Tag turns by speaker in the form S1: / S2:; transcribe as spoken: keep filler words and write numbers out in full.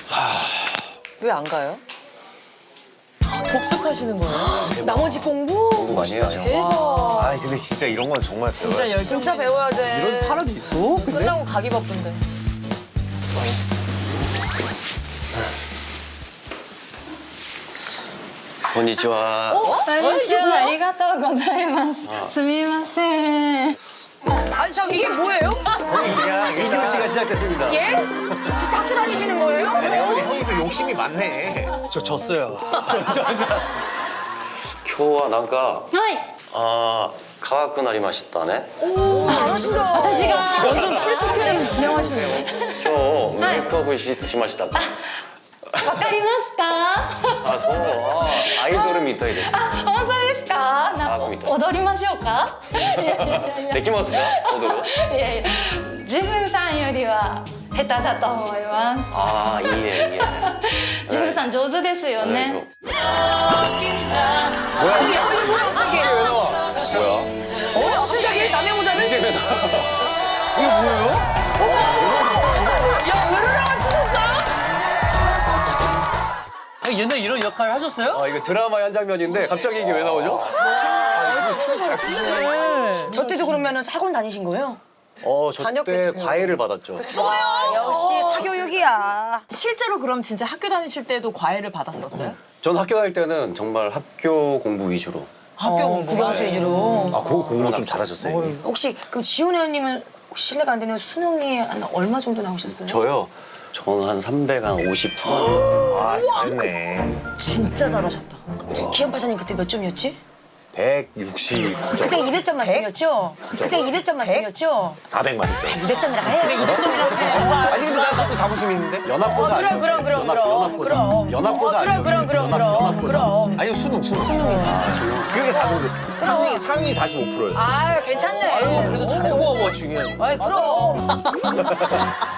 S1: 왜 안 가요?
S2: 복습하시는 거예요?
S1: 나머지 공부?
S3: 공부 많이 해요.
S1: 대박.
S3: 아 근데 진짜 이런 건 정말
S2: 진짜 열심히
S1: 진짜 배워야 돼.
S4: 이런 사람이 있어? 근데?
S2: 끝나고 가기 바쁜데.
S3: 건니치와.
S5: こんにちは、ありがとうございます。すみません。
S1: 아니 참 이게 뭐예요?
S3: 형이 그냥 이디오 씨가 시작됐습니다.
S1: 예? 진짜 학교 다니시는 거예요?
S3: 내가 형이 좀 욕심이 많네.
S4: 저 졌어요.
S3: 今日はなんか
S5: はい。
S3: あー可愛くなりましたね。
S1: 잘하신다.
S5: 私が
S2: 완전 프리토크는 진행하시네요.
S3: 今日メイクアップししましたか。
S5: わかりますか？
S3: あそうあーアイドルみたいです。
S5: あ、本当ですか？なんか
S3: あ見た
S5: 踊りましょうか？いやいやいやいや。
S3: できますか踊る？
S5: いやいや、ジフンさんよりは下手だと思います。
S3: ああいいねいいね。
S5: ジフンさん上手ですよね。
S3: 뭐야?
S1: 어? 갑자기 남의 모자를?
S3: 이게 왜 나?
S4: 이게 뭐예요?
S1: 야, 으르렁을 치셨어요?
S4: 아니, 옛날에 이런 역할을 하셨어요?
S3: 아 이거 드라마의 한 장면인데 갑자기 이게 왜 나오죠?
S1: 저 때도 그러면 학원 다니신 거예요?
S3: 어, 저 때
S2: 다녔겠죠.
S3: 과외를 받았죠.
S1: 와, 역시 사교육이야.
S2: 실제로 그럼 진짜 학교 다니실 때도 과외를 받았었어요?
S3: 전 학교 다닐 때는 정말 학교 공부 위주로.
S2: 학교 공부
S1: 국영수 위주로.
S3: 아, 그거 공부 좀 잘하셨어요. 형님.
S1: 혹시 그럼 지훈 회원님은 실례가 안 되면 수능이 한 얼마 정도 나오셨어요?
S3: 저요? 저는 한 삼백오십 퍼센트. 아, 잘했네.
S2: 진짜 잘하셨다.
S1: 기현 파사님 그때 몇 점이었지?
S3: 백육십구 점.
S1: 그때 이백 점 만점이었죠? 그때 이백 점 만점이었죠?
S3: 사백 만점.
S1: 이백 점이라고 해요. 이백 점이라고 해요.
S3: 아니, 근데 나 그것도 자부심 있는데? 연합고사
S1: 어, 그럼, 그럼, 그럼, 그럼, 그럼.
S3: 연합고사
S1: 어, 그럼, 그럼, 그럼, 그럼, 그럼.
S3: 아니, 수능, 수능. 수능이지. 아, 수능. 그게 사 등급. 상위, 상위 사십오 퍼센트였어.
S1: 아, 괜찮네.
S2: 그래도 잘해.
S4: 그거가 중요해.
S1: 아이, 그럼.